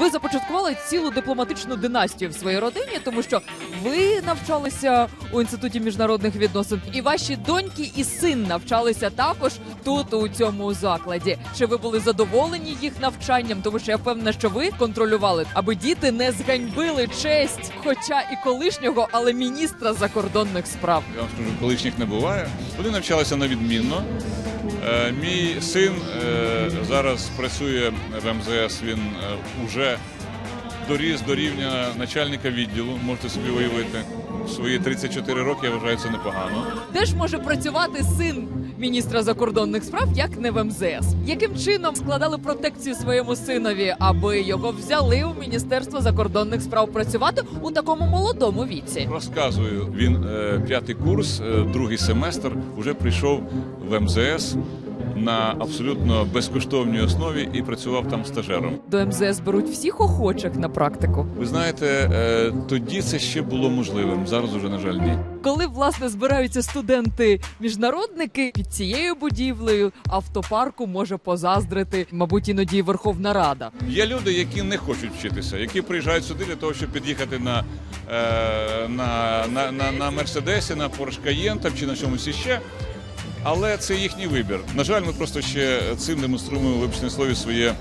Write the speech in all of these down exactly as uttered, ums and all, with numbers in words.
Ви започаткували цілу дипломатичну династію в своїй родині, тому що ви навчалися у Інституті міжнародних відносин, і ваші доньки і син навчалися також тут, у цьому закладі. Чи ви були задоволені їх навчанням? Тому що я впевнена, що ви контролювали, аби діти не зганьбили честь, хоча і колишнього, але міністра закордонних справ. Я вам скажу, колишніх не буває. Вони навчалися на відмінно. Е, мій син е, зараз працює в ем зе ес, він е, уже доріс до рівня начальника відділу, можете собі уявити. В свої тридцять чотири роки, я вважаю, це непогано. Де ж може працювати син міністра закордонних справ, як не в ем зе ес? Яким чином складали протекцію своєму синові, аби його взяли у Міністерство закордонних справ працювати у такому молодому віці? Розказую, він е, п'ятий курс, е, другий семестр, вже прийшов в ем зе ес на абсолютно безкоштовній основі і працював там стажером. До ем зе ес беруть всіх охочих на практику. Ви знаєте, е, тоді це ще було можливим, зараз уже, на жаль, ні. Коли, власне, збираються студенти-міжнародники під цією будівлею, автопарку може позаздрити, мабуть, іноді і Верховна Рада. Є люди, які не хочуть вчитися, які приїжджають сюди для того, щоб під'їхати на, е, на, на, на, на Мерседесі, на Порш Каєн там, чи на чомусь іще. Але це їхній вибір. На жаль, ми просто ще цим демонструємо, вибачте на слові, своє,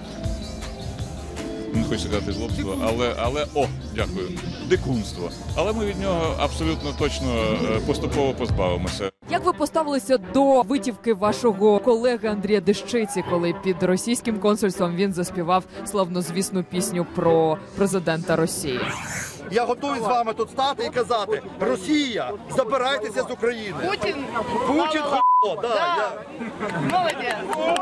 не хочу сказати злобство, але, але, о, дякую, дикунство. Але ми від нього абсолютно точно поступово позбавимося. Як ви поставилися до витівки вашого колеги Андрія Дещиці, коли під російським консульством він заспівав славнозвісну пісню про президента Росії? Я готовий з вами тут стати і казати: Росія, забирайтеся з України. Путін, Путін, хуйло, да, я... молодець.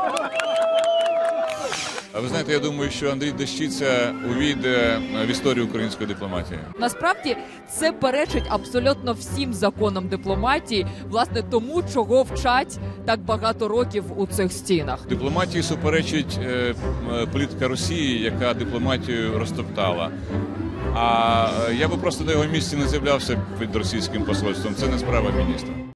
А ви знаєте, я думаю, що Андрій Дещиця увійде в історію української дипломатії. Насправді, це перечить абсолютно всім законам дипломатії, власне, тому, чого вчать так багато років у цих стінах. Дипломатії суперечить е, політика Росії, яка дипломатію розтоптала. А я би просто на його місці не з'являвся під російським посольством. Це не справа міністра.